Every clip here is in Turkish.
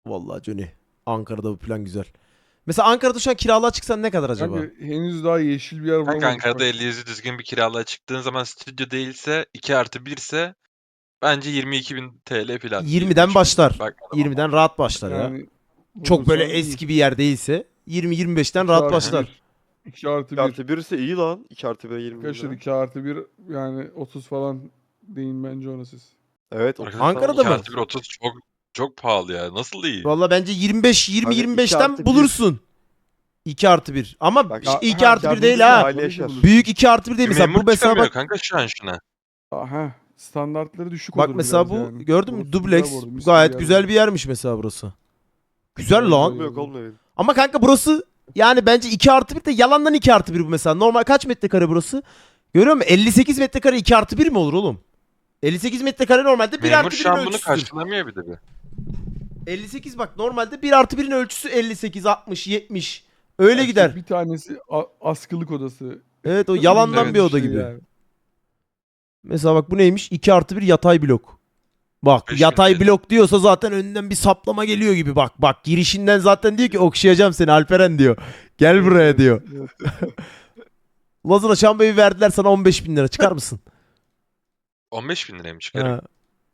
Vallahi Johnny. Ankara'da bu plan güzel. Mesela Ankara'da şu an kiralığa çıksan ne kadar acaba? Kanka henüz daha yeşil bir yer Kanka bulamadık. Ankara'da Bak. 50 yüzü düzgün bir kiralığa çıktığın zaman stüdyo değilse 2+1 ise bence 22.000 TL falan. 20'den başlar. Bak 20'den rahat başlar ya. Yani Çok böyle bulursan iyi. eski bir yer değilse 20-25'ten 2 rahat artı başlar. 1. 2 artı 2 1. artı 1 ise iyi lan. 2 artı 1'e 20 bin Arkadaşlar lira. 2 artı 1 yani 30 falan deyin bence ona siz. Evet. arkadaşlar, Ankara'da mı? 2+1 30 çok pahalı ya. Nasıl değil? Valla bence 25 Kanka, 20-25'ten 2+1. bulursun. 2 artı 1. Ama Bak, işte 2 ha, artı 1 2+1 değil de ha. aile yaşar. Büyük 2 artı 1 değil mesela. Memur Bu mesela çıkamıyor bak. kanka şu an şuna. Aha standartları düşük Bak olur mesela biraz bu yani. gördün mü Burası dubleks güzel bu arada, mis gayet gibi güzel yer bir yermiş mesela burası. Güzel Güzel lan. bir Olmuyor olmuyor. Ama kanka burası yani bence 2 artı 1 de yalandan 2 artı 1 bu mesela. Normal kaç metrekare burası? Görüyor musun? 58 metrekare 2 artı 1 mi olur oğlum? 58 metrekare normalde 1 Memur artı şu 1'in an bunu ölçüsüdür. karşılamıyor bir de bir. 58 bak normalde 1 artı 1'in ölçüsü 58, 60, 70. Öyle İşte gider. Bir tanesi askılık odası. Evet o yalandan Evet. bir oda Şey gibi. yani. Mesela bak bu neymiş? 2 artı 1 yatay blok. Bak 5.000 yatay TL. blok diyorsa zaten önünden bir saplama geliyor gibi. Bak bak girişinden zaten diyor ki okşayacağım seni Alperen diyor. Gel buraya diyor. Lazına Şambay'ı verdiler sana 15 bin lira çıkar mısın? 15.000 liraya mı çıkarım? Ha.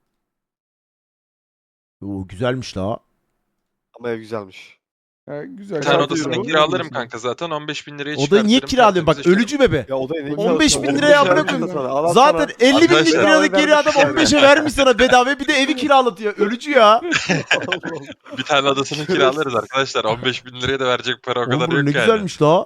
Oo, güzelmiş la. Ama ev güzelmiş. Ha, güzel. Bir tane Kaç odasını euro? kiralarım kanka zaten 15.000 liraya Odayı niye çıkartırım. kiralıyorsun? Bak tertemiz ölücü bebe. Ya odayı ne 15 güzel bin olsa liraya 15 amına lira koyayım. sana. Al Zaten sana. 50 binlik Arkadaşlar, liralık geri adam vermiş yani. 15'e vermiş sana bedava bir de evi kiralatıyor. Ölücü ya. Allah Allah. Bir tane odasını Şerefsiz. kiralarız arkadaşlar. 15.000 liraya da verecek para o Oğlum kadar bu yok ne yani. güzelmiş la.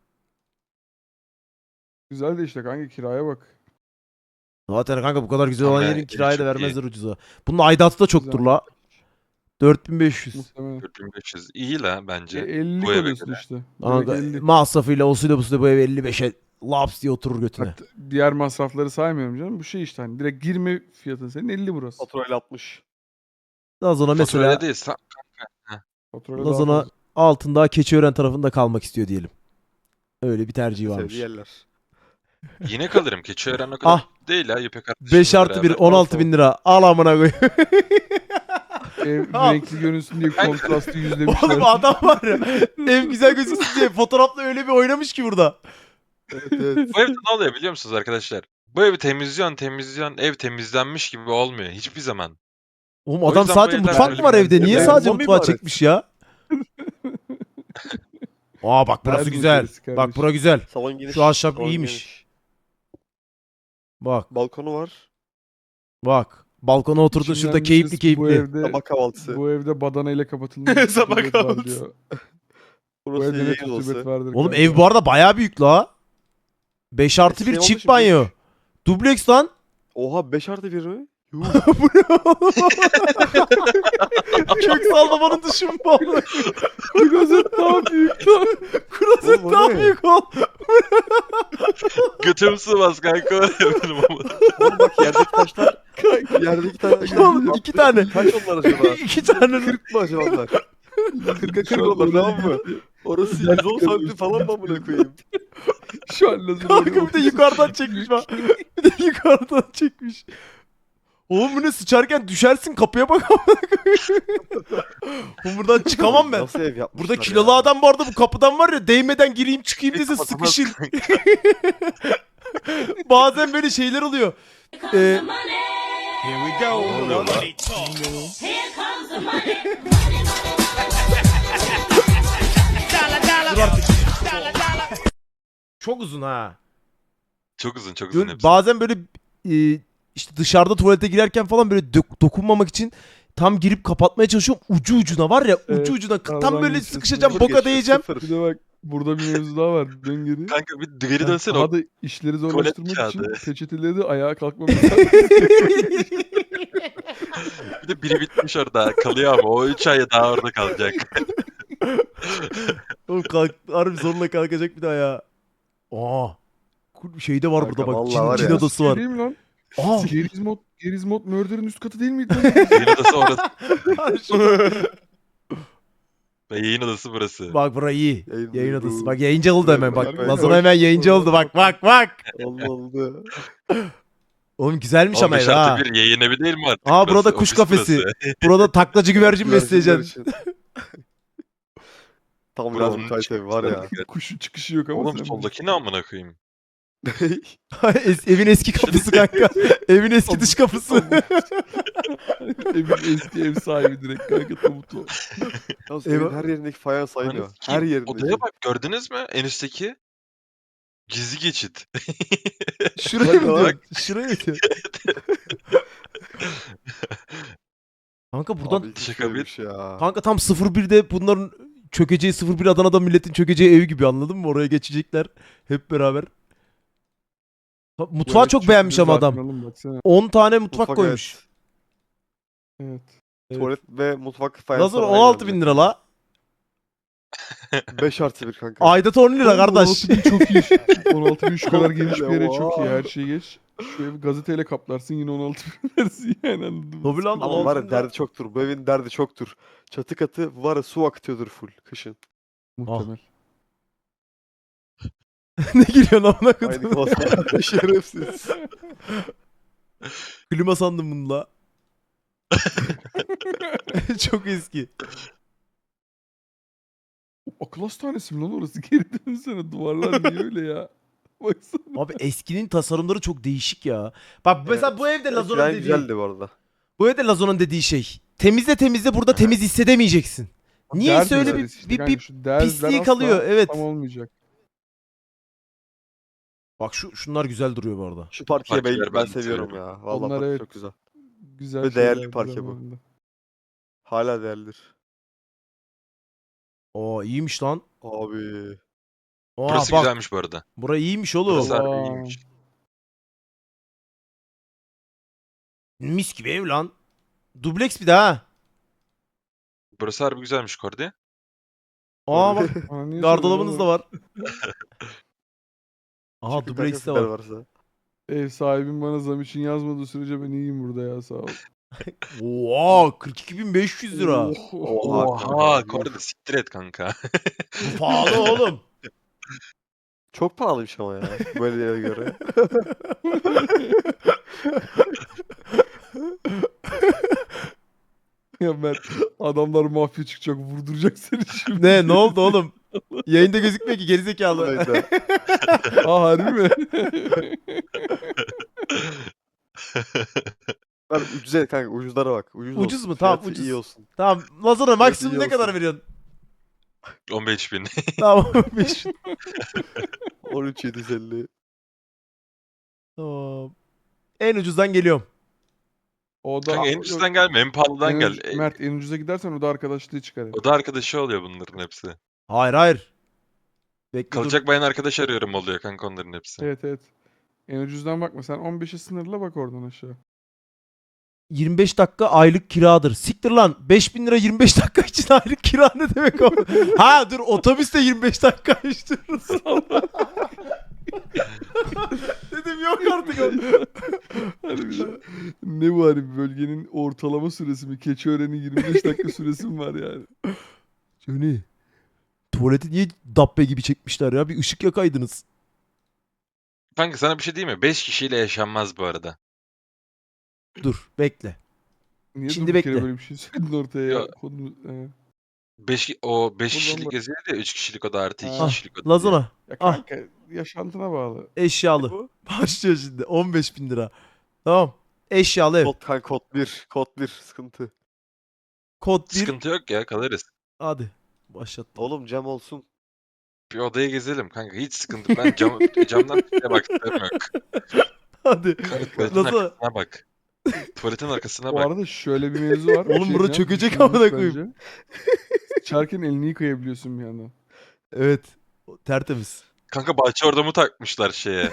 Güzel de işte kanka kiraya bak. Zaten kanka bu kadar güzel olan Ama yerin ev kirayı da çok iyi. vermezler ucuza. Bunun aidatı da çoktur Güzel. la. 4500. Muhtemelen. 4500 iyi la bence. 50'lik bu eve odası göre. işte. Direkt Kanka 50. masrafıyla osuyla busuyla bu ev 55'e laps diye oturur götüne. Bak, diğer masrafları saymıyorum canım. Bu şey işte hani direkt girme fiyatın senin 50 burası. Faturayla 60. Daha sonra Fatura mesela öyle değil. Faturayla daha Lazona fazla. altında Keçiören tarafında kalmak istiyor diyelim. Öyle bir tercihi varmış. Sevdiği yerler. Yine kalırım. Keçiören o kadar Ah. değil ha. Yüpe 5 artı 1 16 bin lira. Al amına koy. Ev Al. renkli görünsün diye kontrastı yüzlemişler. Oğlum adam var ya. Ev güzel gözüksün diye fotoğrafla öyle bir oynamış ki burada. Evet evet. Bu evde ne oluyor biliyor musunuz arkadaşlar? Bu evi temizliyorsun. Ev temizlenmiş gibi olmuyor. Hiçbir zaman. Oğlum O adam yüzden sadece bu evler mutfak böyle mı var bir- evde? Niye Evet, sadece zombi mutfağı ibaret. çekmiş ya? Aa bak burası Her güzel. meselesi Bak kardeşim. bura güzel. Salon geniş. Şu ahşap salon iyiymiş. geniş. Bak Balkonu var. bak. Balkona oturdun İçinden şurada bir keyifli ses, keyifli. Bu evde, Sabah kahvaltısı. bu evde badana ile kapatılmış bir Sabah kutubet var kahvaltısı. diyor. Bu Burası evde ne yayın kutubet odası. vardır Oğlum kanka. ev bu arada bayağı büyük la. 5 artı 1 Eski ev çift olmuş, banyo. büyük. Dubleks lan. Oha 5 artı 1 mi? Yuh. Kök sallamanın dışı mı bu? Klozet daha büyük lan. Klozet Oğlum, o daha ne? büyük ol. Götüm sığmaz kanka. Benim ama. Oğlum bak yerdeki taşlar. Yerdeki taşlar. Oğlum, 2 tane. Kaç onlar acaba? 2 tane. 40 mı acaba onlar? 40'a 40 Şu an onlar orada tamam mı? Orası 110 santim falan mı amına koyayım? Şu an lazım. Kanka bir de yukarıdan çekmiş bak. Bir de yukarıdan çekmiş. Oğlum bu ne sıçarken düşersin kapıya bak amına koyayım. Oğlum buradan çıkamam ben. Nasıl ev yapmışlar Burada kilolu ya? adam bu arada bu kapıdan var ya değmeden gireyim çıkayım dese Kapatamaz sıkışır. Bazen böyle şeyler oluyor. Here we go. oluyor lan? Here comes the money. Dur artık. Çok uzun ha. Çok uzun çok uzun Böyle hepsi. bazen böyle işte dışarıda tuvalete girerken falan böyle dokunmamak için tam girip kapatmaya çalışıyorum. Ucu ucuna var ya Evet, ucu ucuna tam aradan böyle geçiyorsun. sıkışacağım Sıfır boka geçiyor, değeceğim. sıfır. Bir de bak burada bir mevzu daha var. Dön geri. Kanka bir geri dönsene. Daha O da işleri tuvalet zorlaştırmak için kağıdı. peçeteleri de ayağa kalkmamak Bir de biri bitmiş orada. Kalıyor ama o 3 ay daha orada kalacak. Oğlum kalk, harbi zorla kalkacak bir daha ya. Aa. Şey de var Kanka burada bak. vallahi Cin, var cin ya. odası var. Değil mi lan? Aa. Gerizmod Murder'ın üst katı değil miydi lan? Yayın odası orası. Şurada. Ve yayın odası burası. Bak bura iyi. Yayın Yayın odası. odası. Bak yayıncı oldu hemen bak. Bak, Lazona bak. hemen yayıncı oldu. Bak bak bak. Allah oldu. Oğlum güzelmiş Oğlum ama ev 5 ha. artı 1 yayın evi değil mi artık? Aa burada burası? kuş Ofis kafesi. burası. Burada taklacı güvercin Güvercinler besleyeceksin. için. Tam Bura gaz onun müsait için evi var ya. güzel. Kuşun çıkışı yok ama Oğlum sen soldaki ne amına koyayım? Evin eski kapısı kanka. Evin eski dış kapısı. Evin eski ev sahibi direkt kanka tabut o. Yalnız Eyvah. evin her yerindeki fayans aynı. Ananı Her sikeyim. yerindeki. Odaya bak gördünüz mü en üstteki? Gizli geçit. Şuraya mı Bak. diyorsun? Şuraya mı diyorsun? Kanka buradan Abi hiç Şaka bir. öyleymiş ya. kanka tam 01'de bunların çökeceği 01 Adana'da milletin çökeceği ev gibi anladın mı? Oraya geçecekler hep beraber. Mutfağı Böyle çok küçük beğenmiş bir ama zaten adam. oğlum, baksana. 10 tane mutfak Mutfak, koymuş. Evet. Evet. Tuvalet ve mutfak fayansları Lazır aynı 16 bin bence. lira la. 5+1 kanka. Aidat 10 lira kardeş. 16.000 çok iyi. 16.000 şu kadar geniş bir yere Oha. çok iyi. Her şeyi geç. Şu evi gazeteyle kaplarsın yine 16.000 versin yani anladın mı? Tabii lan, Sıkıntı Ama yok. var 16.000 ya lira. derdi çoktur. Bu evin derdi çoktur. Çatı katı var ya su akıtıyordur full kışın. Muhtemel. Ne gülüyorsun amına Aynı koydum. klasman. Şerefsiz. Klima sandım bunu la. Çok eski. Akıl hastanesi mi lan orası? Geri dönsene duvarlar niye öyle ya? Baksana. Abi eskinin tasarımları çok değişik ya. Bak mesela Evet. bu evde Lazon'un Eskiden dediği. güzeldi bu arada. Bu evde Lazon'un dediği şey. Temizle burada temiz hissedemeyeceksin. Niyeyse Dert öyle meselesi işte bir kanka, şu derzler pisliği asla kalıyor, evet. Tam olmayacak. Bak şunlar güzel duruyor bu arada. Şu parkeye Parkeler ben ben de seviyorum seviyorum. ya. Vallahi Onlar parke evet. çok güzel. Güzel Ve değerli şeylerdi parke bu. zamanında. Hala değerlidir. Oo iyiymiş lan. Abi. Aa Burası bak. güzelmiş bu arada. Burası iyiymiş oğlum. Burası harbi Allah. iyiymiş. Mis gibi ev lan. Dubleks bir daha. Burası harbi güzelmiş Kordi. Aa bak Aa, niye gardırobunuz da soruyorsun var. Aha Çıkın dubleks de kanka, var. varsa. oğlum? Ev sahibim bana zam için yazmadığı sürece ben iyiyim burada ya sağ ol. Oo 42.500 lira. Oha. Oha kanka, Kordi yuh. siktir et kanka. Bu pahalı oğlum. Çok pahalıymış ama ya. Böyle yere göre. Ya Mert adamlar mafya çıkacak vurduracak seni şimdi. Ne oldu oğlum? Yayında gözükmüyor ki gerizekalı. Hayda. Aa harbi mi? Ben ucuza kanka ucuzlara bak. Ucuz, Ucuz olsun. mu? Tamam, Fiyatı ucuz. iyi olsun. Tamam Lazona maksimum iyi ne kadar olsun. veriyorsun? 15.000. Tamam 5. 13.750. Tamam. En ucuzdan geliyorum. O da Kanka en ucuzdan gelme en pahalıdan en gel. ucuz- Mert en ucuza gidersen o da arkadaşlığı çıkar. hep. O da arkadaşı oluyor bunların hepsi. Hayır. Bekle dur. Kalacak bayan arkadaş arıyorum oluyor kanka onların hepsi. Evet evet. En ucuzdan bakma sen 15'e sınırla bak oradan aşağı. 25 dakika aylık kiradır. Siktir lan. 5.000 lira 25 dakika için aylık kira ne demek o? Ha dur otobüste 25 dakika işte. Dedim yok artık o. Harbiden. Ne bu hani bölgenin ortalama süresi mi? Keçiören'in 25 dakika süresi mi var yani? Johnny. Tuvaleti niye dabbe gibi çekmişler ya? Bir ışık yakaydınız. Kanka sana bir şey diyeyim mi? 5 kişiyle yaşanmaz bu arada. Dur bekle. Niye Şimdi durduk yere bekle. böyle bir şey söyledin ortaya ya? Ya. Konu, 5 Buradan kişilik bak. geziyor ya 3 kişilik oda artı 2 Ah, kişilik oda diye. Lazona. Ya Ah. kanka yaşantına bağlı. Eşyalı. Bu? Başlıyor şimdi. 15.000 lira. Tamam. Eşyalı ev. Kod kanka kod 1. Kod 1 sıkıntı. Kod 1. Sıkıntı yok ya kalırız. Hadi. Başlattım. Oğlum cam olsun. Bir odaya gezelim kanka hiç sıkıntı. Ben camdan dışarıya baktığım yok. Hadi. Tuvaletin Nasıl? arkasına bak. Tuvaletin arkasına Bu bak. arada şöyle bir mevzu var. Oğlum Şey bura diyeceğim, çökecek düşünülmüş amına koyayım. bence. Sıçarken elini yıkayabiliyorsun bir yandan. Evet. Tertemiz. Kanka bahçe orada takmışlar şeye?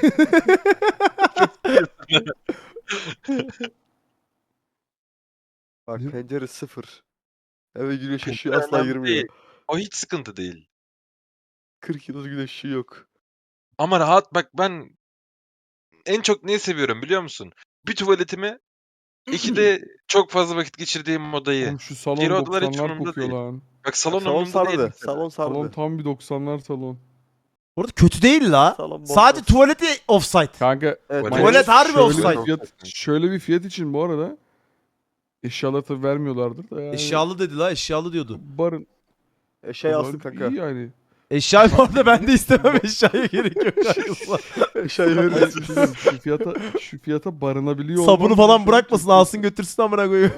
Bak Ne? pencere 0. Eve güneş ışığı asla Önemli girmiyor. değil. O hiç sıkıntı değil. 40 yıl güneş ışığı yok. Ama rahat bak ben en çok neyi seviyorum biliyor musun? Bir tuvaletimi, iki de çok fazla vakit geçirdiğim odayı. Oğlum şu salon Diğer odalar hiç 90'lar umurumda kokuyor değil. lan. Bak salon Salon umurumda değil sardı. mesela. Salon Salon sardı. tam bir 90'lar salon. Orada kötü değil la. Sağlam Sadece bomboş. tuvaleti offside. Kanka Evet, Tuvalet harbi şöyle offside. bir fiyat, şöyle bir fiyat için bu arada eşyalar tabii vermiyorlardır da yani. Eşyalı dedi la, eşyalı diyordu. Barın. Şey alsın Barın kanka. iyi yani. Eşya bu arada ben de istemem, eşyaya gerek yok kanka. Şey Hayır, verirsin. şu fiyata barınabiliyor Sabunu olman falan bile bırakmasın, çok alsın götürsün amına koyayım.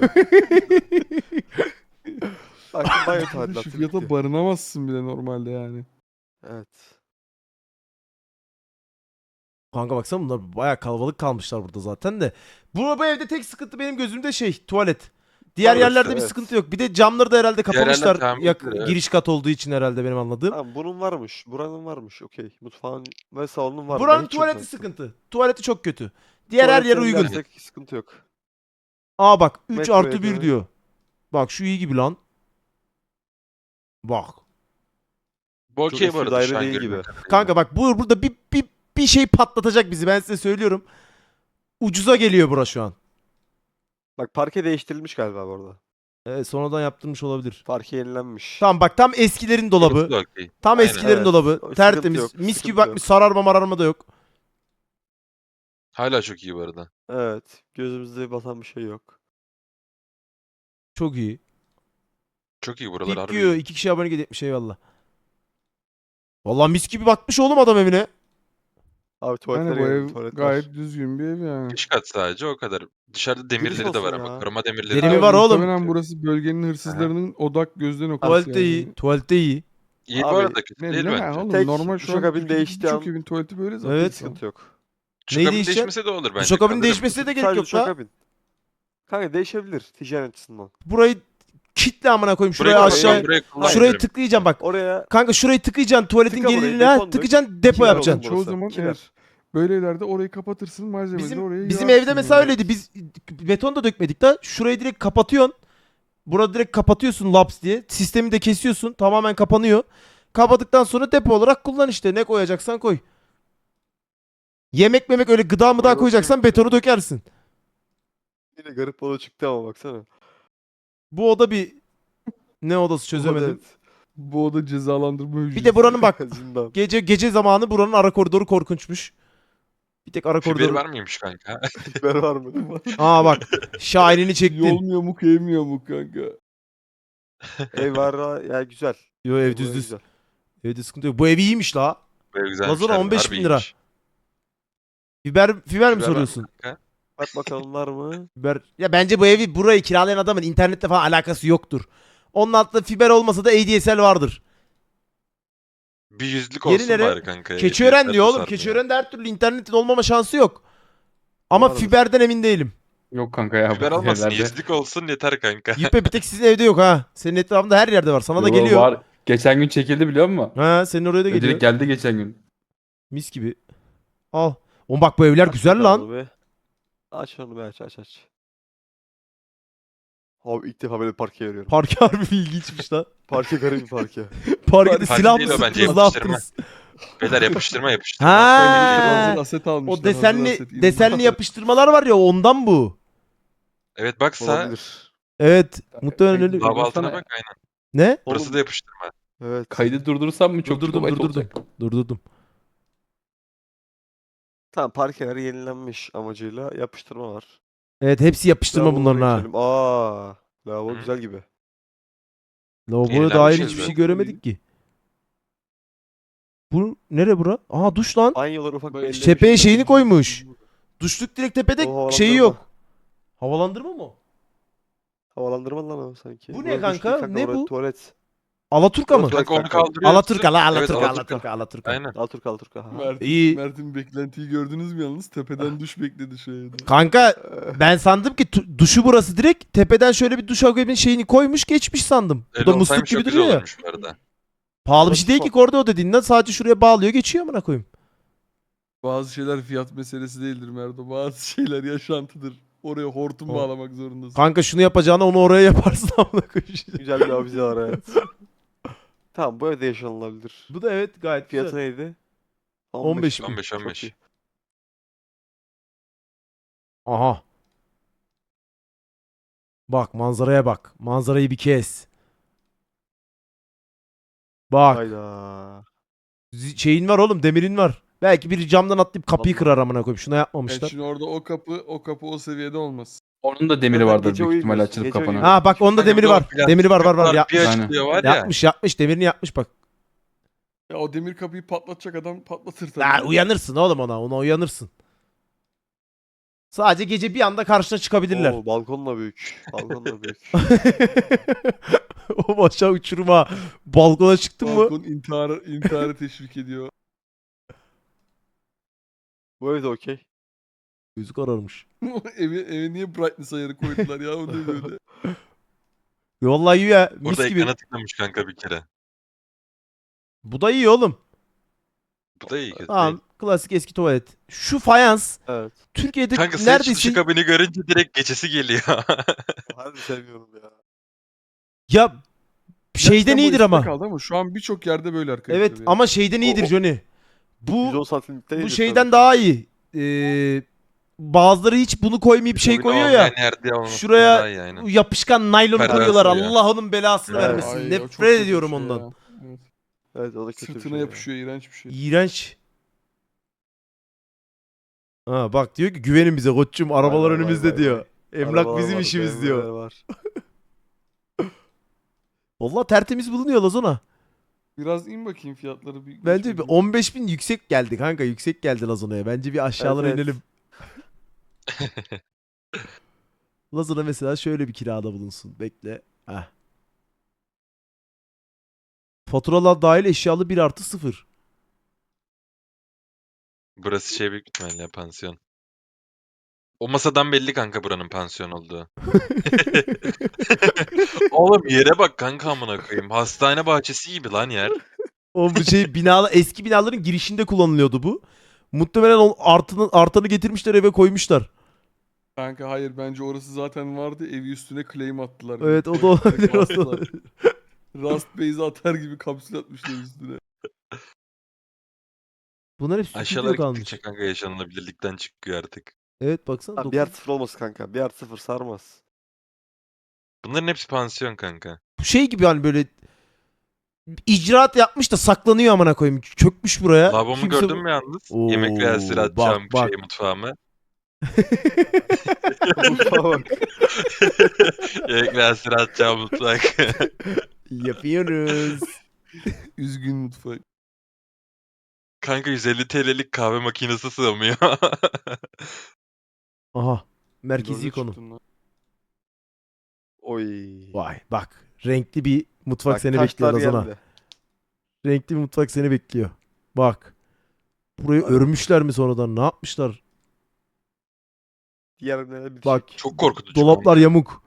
Bak banyo iyi. tadilatı Şu fiyata bitti. barınamazsın bile normalde yani. Evet. Kanka baksana bunlar bayağı kalabalık kalmışlar burada zaten de. Bu evde tek sıkıntı benim gözümde tuvalet. Diğer Orası, yerlerde bir evet. sıkıntı yok. Bir de camları da herhalde Diğer yerler kapamışlar. tamir Yak- edilir, evet. Giriş kat olduğu için herhalde benim anladığım. Tamam bunun varmış. Buranın varmış. Okey. Mutfağın ve salonun var. Buranın Ben hiç yok tuvaleti zaten. sıkıntı. Tuvaleti çok kötü. Diğer her yer Tuvaletleri uygun. dersek sıkıntı yok. Aa bak 3 Metroya artı 1 göre. diyor. Bak şu iyi gibi lan. Bak. Bu Çok okey eski bu arada daire şu an değil görünüyor gibi. kadarıyla. Kanka bak burada bir şey patlatacak bizi, ben size söylüyorum. Ucuza geliyor bura şu an. Bak parke değiştirilmiş galiba bu arada. Evet, sonradan yaptırmış olabilir. Parke yenilenmiş. Tamam bak, tam eskilerin dolabı. Burası da okey. Tam Aynen. eskilerin Evet, dolabı. sıkıntı Tertemiz. yok, Mis sıkıntı gibi bakmış, yok. sararma mararma da yok. Hala çok iyi bu arada. Evet. Gözümüzde batan bir şey yok. Çok iyi. Çok iyi buralar Tip harbi yiyor. iyi. 2 kişi abone etmiş, eyvallah. Vallahi mis gibi bakmış oğlum adam evine. Abi tuvaletler Yani bu geldi. ev Tuvaletler. gayet düzgün bir ev yani. Dış kat sadece o kadar. Dışarıda demirleri de olsun var ama. ya. Koruma demirleri Derimi de var var. oğlum. Muhtemelen burası bölgenin hırsızlarının odak gözden noktası Tuvalette yani. iyi. Tuvalette iyi. İyi bu Abi, arada kötü değil Ne bence. oğlum, Tek normal şu an duşakabin Türkiye'deki değiştiği birçok an- evin tuvaleti böyle zaten. Evet. Hiç sıkıntı yok. Neyi Duşakabin değişecek? değişmese de olur bence. Duşakabinin Kalırım. değişmesine de gerek Sadece yok la. duşakabin. Kanka değişebilir ticaret açısından. Burayı kitle amına koyayım. Burayı Şuraya kullan, aşağı. burayı kullan Şurayı derim. tıklayacağım bak. Oraya Kanka şurayı tıkayacaksın. Tuvaletin Tıka burayı, geriliğine ha, beton dök. tıkacaksın, depo Kiler yapacaksın. olsun. Çoğu burası. zaman Kiler. evet. Böyle evlerde orayı kapatırsın, malzemeleri de oraya Bizim yığarsın evde mesela yani. öyleydi. Biz beton da dökmedik de şurayı direkt kapatıyorsun. Burada direkt kapatıyorsun laps diye. Sistemi de kesiyorsun. Tamamen kapanıyor. Kapadıktan sonra depo olarak kullan işte. Ne koyacaksan koy. Yemek memek öyle gıda mıda Orası- koyacaksan betonu dökersin. yine garip oda çıktı ama baksana. Bu oda bir ne odası çözemedim. Evet. Bu oda cezalandırma hücresi. Bir de buranın bak Zindan. gece zamanı buranın ara koridoru korkunçmuş. Bir tek ara Fiberi koridoru. var mıymış kanka? Biber var mı? Aa bak şairini çektin. Yolmuyor mu kıyamıyor mu kanka? Ev var ha, ya güzel. Yo ev Bu düz düz. güzel. Evde sıkıntı yok. Bu ev iyiymiş la. Böyle güzelmiş. Lazona harbi, 15 harbi bin lira. iyiymiş. Fiber mi Fiber var mı soruyorsun? kanka? Bak bakalım var mı? Fiber. Ya bence bu evi burayı kiralayan adamın internetle falan alakası yoktur. Onun altında fiber olmasa da ADSL vardır. Bir yüzlük Yeri olsun nere? bari kanka. Keçiören Yeter diyor oğlum. sarmıyor. Keçiören'de her türlü internetin olmama şansı yok. Ama Vardır. fiberden emin değilim. Yok kanka ya. Fiber bu olmasın. yerlerde. Yüzlük olsun yeter kanka. Yüpe bir tek sizin evde yok ha. Senin etrafında her yerde var. Sana da Yo, geliyor. Var. Geçen gün çekildi biliyor musun? Ha senin oraya da geliyor. Direkt geldi geçen gün. Mis gibi. Al. Oğlum bak bu evler Aç güzel bakalım lan. onu be. Aç onu be aç. Abi ilk defa böyle parke görüyorum. Parke harbi ilginçmiş lan. Parke garip bir parke. Parkede Parke silah mı değil o bence, sıktınız, ne yapıştırma. yaptınız? Beyler yapıştırma. Ha. Hazır aset almışlar. O hazır desenli aset, inanılmaz. desenli yapıştırmalar var ya, ondan bu. Evet bak sağ. Olabilir. Evet. Muhtemelen öyle. Bak- Lava altına Baksana. bak aynen. Ne? Burası Oğlum- da yapıştırma. Evet. Kaydı durdursam mı çok Durdurdum kilobayt durdurdum. olacak. Durdurdum. Tamam parkeler yenilenmiş amacıyla yapıştırma var. Evet hepsi yapıştırma Lavabolara bunların ha. geçelim. Aa, lavabo Hı. güzel gibi. Lavaboya Yenilenmiş dair ya hiçbir şey zaten. göremedik ki. Bu nere bura? Aa duş lan. Banyolar ufak Böyle belli. Tepeye şeyini koymuş. Duşluk direkt tepede O şeyi havalandırma. yok. Havalandırma mı? Havalandırma lan o sanki. Bu ne Burası duş kanka? değil Ne burası bu? Tuvalet. Alaturka mı? Tuvalet Kanka onu kanka. kaldırıyorsun. Alaturka la Evet, Alaturka Alaturka. Alaturka Alaturka. Aynen. Alaturka. Ha. İyi. Mert'in beklentiyi gördünüz mü yalnız? Tepeden duş bekledi şeyde. Kanka ben sandım ki duşu burası direkt. Tepeden şöyle bir duş akabinin şeyini koymuş geçmiş sandım. Bu Öyle da musluk olsaymış gibi çok güzel duruyor ya. olurmuş bu arada. Pahalı bir Burası şey değil ki son. kordo dediğinden, sadece şuraya bağlıyor geçiyor amına koyayım. Bazı şeyler fiyat meselesi değildir Merdo. Bazı şeyler yaşantıdır. Oraya hortum O- bağlamak zorundasın. Kanka şunu yapacağına onu oraya yaparsın amına koyayım. Güzel bir avize var evet. Tamam bu evde yaşanılabilir. Bu da evet gayet Fiyatı güzel. neydi? 15 bin. 15 Çok 15. iyi. Aha. Bak manzaraya bak. Manzarayı bir kes. Bak. Hayda. Şeyin var oğlum, demirin var. Belki biri camdan atlayıp kapıyı Allah. kırar amına koyayım. Şuna Evet, yapmamışlar. şimdi orada o kapı o seviyede olmaz. Onun da demiri Zaten vardır gece büyük ihtimalle uyumuyorsun, açılıp gece kapana. uyumuyorsun. Ha bak onda Kanka, demiri bir de o var. plastik Demiri var kapılar yapmış. bir Aynen. açılıyor var ya. Yapmış demirini yapmış bak. Ya o demir kapıyı patlatacak adam patlatır tabii. Ha, uyanırsın oğlum ona uyanırsın. Sadece gece bir anda karşına çıkabilirler. Oo, balkon da büyük. Balkon da büyük. O aşağı uçuruma balkona çıktın mı? Balkon intiharı teşvik ediyor. Bu ev de okey. Gözü kararmış. eve niye brightness ayarı koydular ya o ne böyle. Vallahi iyi ya. Mis Burada gibi. ekrana tıklamış kanka bir kere. Bu da iyi oğlum. Bu da iyi kötü değil. Tamam. Klasik eski tuvalet. Şu fayans Evet. Türkiye'de Kanka senin neredeyse dışı kabini görünce direkt geçesi geliyor. Harbi sevmiyorum ya. ya şeyden Gerçekten bu iyidir eskide ama. kaldı ama şu an birçok yerde böyle arkadaşlar. Evet ya. ama şeyden iyidir O- Johnny. 110 Bu santimlikte bu iyidir şeyden tabii. daha iyi. Bazıları hiç bunu koymayıp şey Kabini koyuyor olmayan ya. yerde olması Şuraya daha iyi aynen. yapışkan naylonu Perdesi koyuyorlar. oluyor. Allah onun belasını Evet. vermesin. Ay, o çok Nefret kötü bir ediyorum şey ondan. ya. Evet. Evet, o da kötü bir Sırtına şey ya. yapışıyor iğrenç bir şey. İğrenç. Ha bak diyor ki güvenin bize koçum arabalar vay, önümüzde vay, diyor. Emlak Arabalar bizim var, işimiz BMW'ler diyor. var. Vallahi tertemiz bulunuyor Lazona. Biraz in bakayım fiyatları bir. Bence geç bir bakayım. 15.000 yüksek geldi kanka. Yüksek geldi Lazona'ya. Bence bir aşağılara Evet, evet. inelim. Lazona mesela şöyle bir kirada bulunsun. Bekle. Heh. Faturalar dahil eşyalı 1+0. Burası şey büyük ihtimalle pansiyon. O masadan belli kanka buranın pansiyon olduğu. Oğlum yere bak kanka amına koyayım. Hastane bahçesi gibi lan yer. O bu şey eski binaların girişinde kullanılıyordu bu. Muhtemelen o artanı getirmişler eve koymuşlar. Kanka hayır bence orası zaten vardı. Evi üstüne claim attılar. Evet o da Direkt olabilir. O da bastılar. olabilir. Rust base'i atar gibi kapsül atmışlar üstüne. Bunlar hep Aşağılara stüdyo kalmış. gittikçe kanka yaşanılabilirlikten çıkıyor artık. Evet baksana. Ha, 1+0 olmasın kanka. 1+0 sarmaz. Bunların hepsi pansiyon kanka. Bu şey gibi hani böyle icraat yapmış da saklanıyor amına koyayım. Çökmüş buraya. Lavabomu Kimse gördün mü yalnız? Oo, Yemek reelsleri atacağım bak. şey mutfağıma. Mutfağa bak. Yemek reelsleri atacağım mutfak. Yapıyoruz. Üzgün mutfak. Kanka 150 TL'lik kahve makinesi sığmıyor. Aha. Merkezi Dörde konu. çıktın lan. Oy. Vay bak. Renkli bir mutfak Bak, seni bekliyor taşlar Lazana. geldi. Renkli bir mutfak seni bekliyor. Bak. Burayı Hadi örmüşler mi sonradan? Ne yapmışlar? Diğerine bir Bak. şey. Çok korkutucu. Dolaplar kanka. yamuk.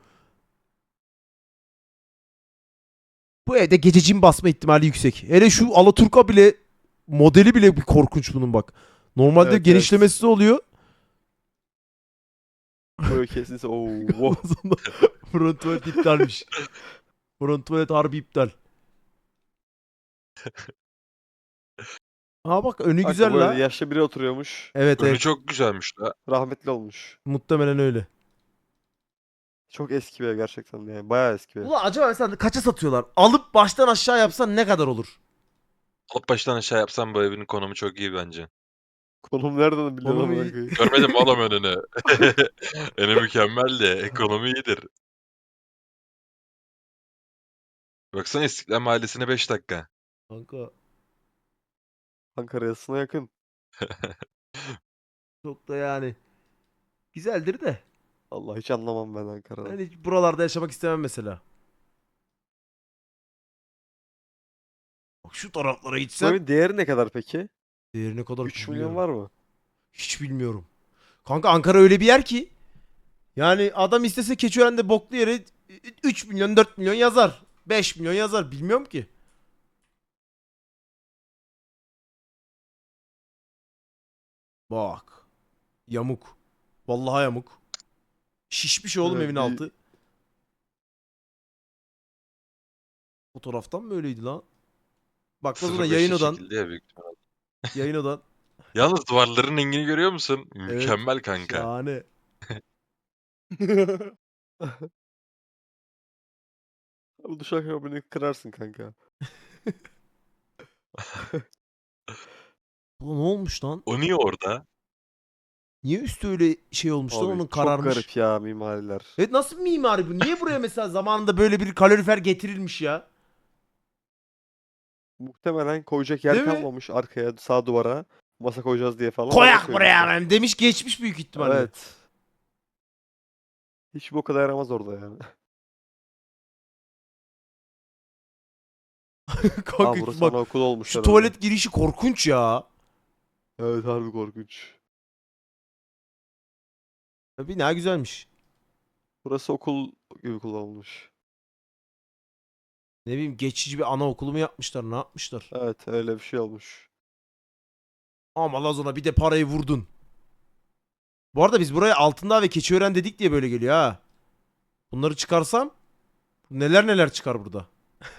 Bu evde gece cin basma ihtimali yüksek. Hele şu Alaturka bile modeli bile bir korkunç bunun bak. Normalde Evet, genişlemesi de oluyor. Böyle kesinse ooo. Wow. Sonra front tuvalet iptalmiş. Front tuvalet harbi iptal. Ha bak önü Kanka, güzel böyle la. yaşlı biri oturuyormuş. Evet Önü evet. çok güzelmiş la. Rahmetli olmuş. Muhtemelen öyle. Çok eski bir ev gerçekten yani. Bayağı eski bir ev. Ulan acaba mesela kaça satıyorlar? Alıp baştan aşağı yapsan ne kadar olur? Alıp baştan aşağı yapsam bu evin konumu çok iyi bence. Konum nereden biliyorsun Konumu amına iyi. koyayım? Görmedim mi oğlum önünü? Önü mükemmel de ekonomi iyidir. Baksana İstiklal Mahallesi'ne 5 dakika. Kanka Ankara yasına yakın. çok da yani. Güzeldir de. Allah hiç anlamam ben Ankara'dan. Ben hiç buralarda yaşamak istemem mesela. Bak şu taraflara Bu gitsem evin değeri ne kadar peki? değeri ne kadar 3 milyon bilmiyorum. var mı? Hiç bilmiyorum. Kanka Ankara öyle bir yer ki. Yani adam istese Keçiören'de boklu yere 3 milyon 4 milyon yazar. 5 milyon yazar. Bilmiyorum ki. Bak. Yamuk. Vallahi yamuk. Şişmiş oğlum Evet, evin bir- altı. Fotoğraftan mı öyleydi lan? Bak nasıl 05 yayın odan. şekilde ya büyük ihtimal. Yayın odan. Yalnız duvarların rengini görüyor musun? Evet. Mükemmel kanka. Şahane. Bu duşakabini kırarsın kanka. Bu ne olmuş lan? O niye orada? Niye üstü öyle şey olmuş lan, Abi onun çok kararmış. garip ya mimariler. Evet, nasıl bir mimari bu? Niye buraya mesela zamanında böyle bir kalorifer getirilmiş ya? Muhtemelen koyacak yer Değil mi? kalmamış arkaya sağ duvara. Masa koyacağız diye falan. Koyak oraya buraya koymuşlar. lan demiş, geçmiş büyük ihtimalle. Evet. Hiç bu kadar yaramaz orada yani. Kanka Burası bak, anaokulu olmuş şu herhalde. tuvalet girişi korkunç ya. Evet harbi korkunç. Bina güzelmiş. Burası okul gibi kullanılmış. Ne bileyim, geçici bir anaokulu mu yapmışlar, ne yapmışlar? Evet öyle bir şey olmuş. Ama Lazona bir de parayı vurdun. Bu arada biz buraya Altındağ ve Keçiören dedik diye böyle geliyor ha. Bunları çıkarsam neler neler çıkar burada.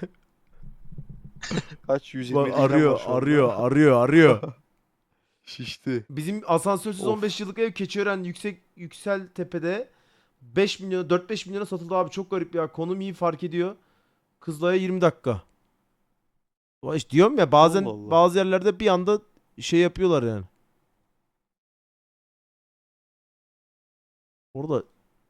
Kaç? Bak, 127 ilan arıyor, var şu anda. arıyor. Şişti. Bizim asansörsüz Of. 15 yıllık ev Keçiören Yükseltepe'de 5 milyona 4-5 milyona satıldı abi, çok garip ya. Konum iyi, fark ediyor. Kızılay'a 20 dakika. Ulan işte diyorum ya, bazen Allah Allah. bazı yerlerde bir anda şey yapıyorlar yani. Orada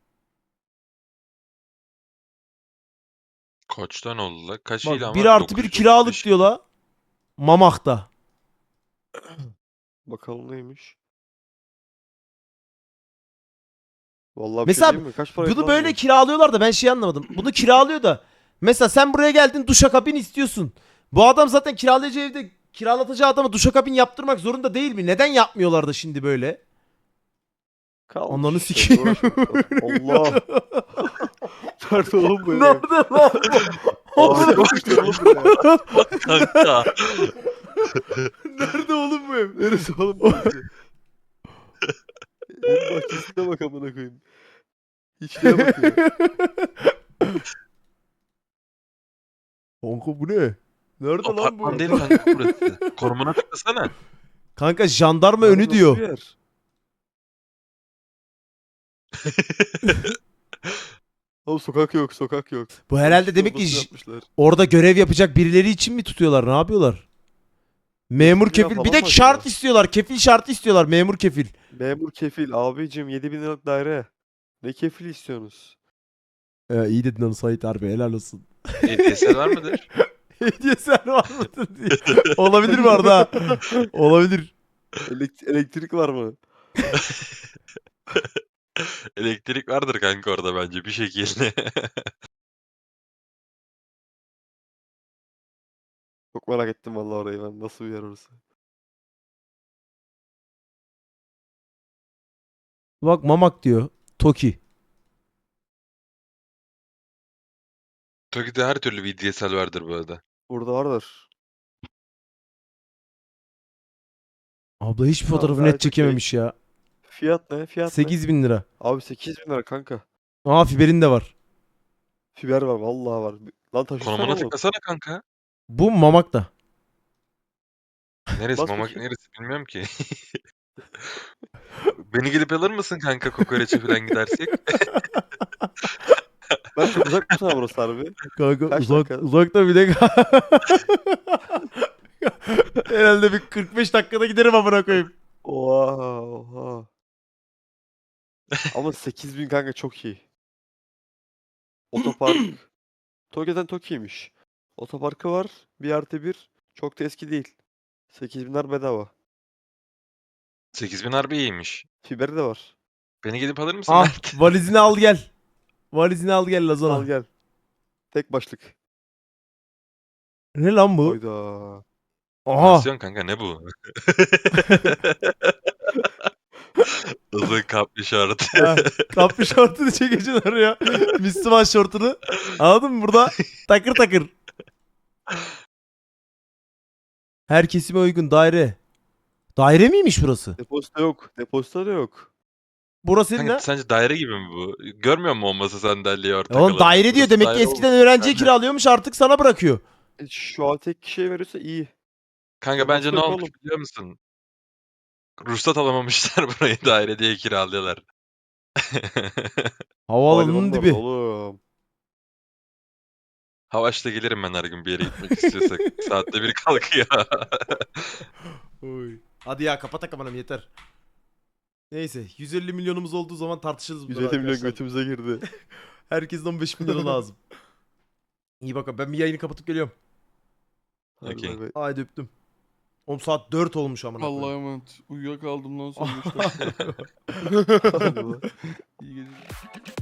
Kaçtan oldu la? Kaç bak, ilan 1 var? artı 1 kiralık 935. diyor la. Mamak'ta. Bakalım neymiş. Vallahi bir Mesela şey diyeyim mi? Kaç paraydı bunu lan böyle bu? kiralıyorlar da ben şey anlamadım. Bunu kiralıyor da mesela sen buraya geldin, duşakabin istiyorsun. Bu adam zaten kiralayacağı evde kiralatacağı adama duşakabin yaptırmak zorunda değil mi? Neden yapmıyorlar da şimdi böyle? Kalmış Ananı işte, sikeyim. uğraşmamışlar. Allah. Nerede oğlum bu ev? Nerede lan? Abi yokmuş oğlum buraya. Kanka. Nerede oğlum bu ev? Neresi oğlum burası? Evin bahçesine bak amına koyayım. İçkiye bakıyor. Kanka bu ne? Nerede lan bu? Apartman değil kanka burası. Konumuna tıklasana. Kanka jandarma Lan önü nasıl diyor. bir yer? Oğlum sokak yok, sokak yok. Bu herhalde Üstüne demek ki odasını yapmışlar. orada görev yapacak birileri için mi tutuyorlar? Ne yapıyorlar? Memur 7000 lira kefil. falan Bir de mı şart acaba? istiyorlar. Kefil şartı istiyorlar. Memur kefil. Memur kefil abicim 7.000 liralık daire. Ne kefil istiyorsunuz? İyi dedin onu Sait, harbi helal olsun. DSL var mıdır? Hediyesel var mıdır diye. Olabilir mi Arda? Olabilir. Elektrik var mı? Elektrik vardır kanka orada bence bir şekilde. Çok merak ettim vallahi orayı ben. Nasıl bir yer orası? Bak Mamak diyor. Toki. Toki'de her türlü VDSL vardır bu arada. Burada vardır. Abla hiçbir Tamam, fotoğrafı net gayet okey. çekememiş ya. Fiyat ne? Fiyat ne? 8.000 lira. Abi 8.000 lira kanka. Aa, fiberin de var. Fiber var vallahi var. Lan taşısana Konumuna oğlum. tıklasana kanka. Bu Mamak'ta. Neresi Bas Mamak bakayım. neresi bilmiyorum ki. Beni gelip alır mısın kanka kokoreçe falan gidersek? Ben çok uzak mı sana burası harbi? Kanka Kaç dakika? uzakta bir de. Herhalde bir 45 dakikada giderim amına koyayım. Oha oha. Ama 8.000 kanka çok iyi. Otopark. Tokyo'dan Tokyo'ymuş. Otoparkı var. 1+1. Çok da eski değil. 8.000'ler bedava. 8000 harbi iyiymiş. Fiberi de var. Beni gelip alır mısın Ah, Mert? valizini al gel. Valizini al gel Al Lazona. gel. Tek başlık. Ne lan bu? Hayda. Aha. Pansiyon kanka ne bu? Uzun kaplı şort. Ha, kapri şortunu çekeceksin oraya. Müslüman şortunu. Anladın mı? Burada takır takır. Her kesime uygun daire. Daire miymiş burası? Depozito yok. Depozito da yok. Burası senin Kanka ne? sence daire gibi mi bu? Görmüyor musun o masa sandalyeyi ortak Oğlum alanı? daire diyor. Burası Demek ki daire eskiden olmuş. öğrenciye kiralıyormuş, artık sana bırakıyor. Şu an tek kişiye veriyorsa iyi. Kanka bence ne Depozito yok olmuş oğlum. biliyor musun? Ruhsat alamamışlar burayı daire diye kiralıyorlar. Havaalanının Havalimanı var dibi. oğlum. Havaş'ta gelirim ben her gün bir yere gitmek istiyorsak. Saatte bir kalkıyor. Oy. Hadi ya kapat kapanam yeter. Neyse 150 milyonumuz olduğu zaman tartışırız bunları 150 milyon arkadaşlar. götümüze girdi. Herkesin 15 milyonu lazım. İyi bakalım ben bir yayını kapatıp geliyorum. Hadi Okey. bay bay. Haydi öptüm. Oğlum saat 4 olmuş amına Allah'a koyayım. emanet. Uyuyakaldım lan son 5 dakika. Hadi bay. İyi geceler.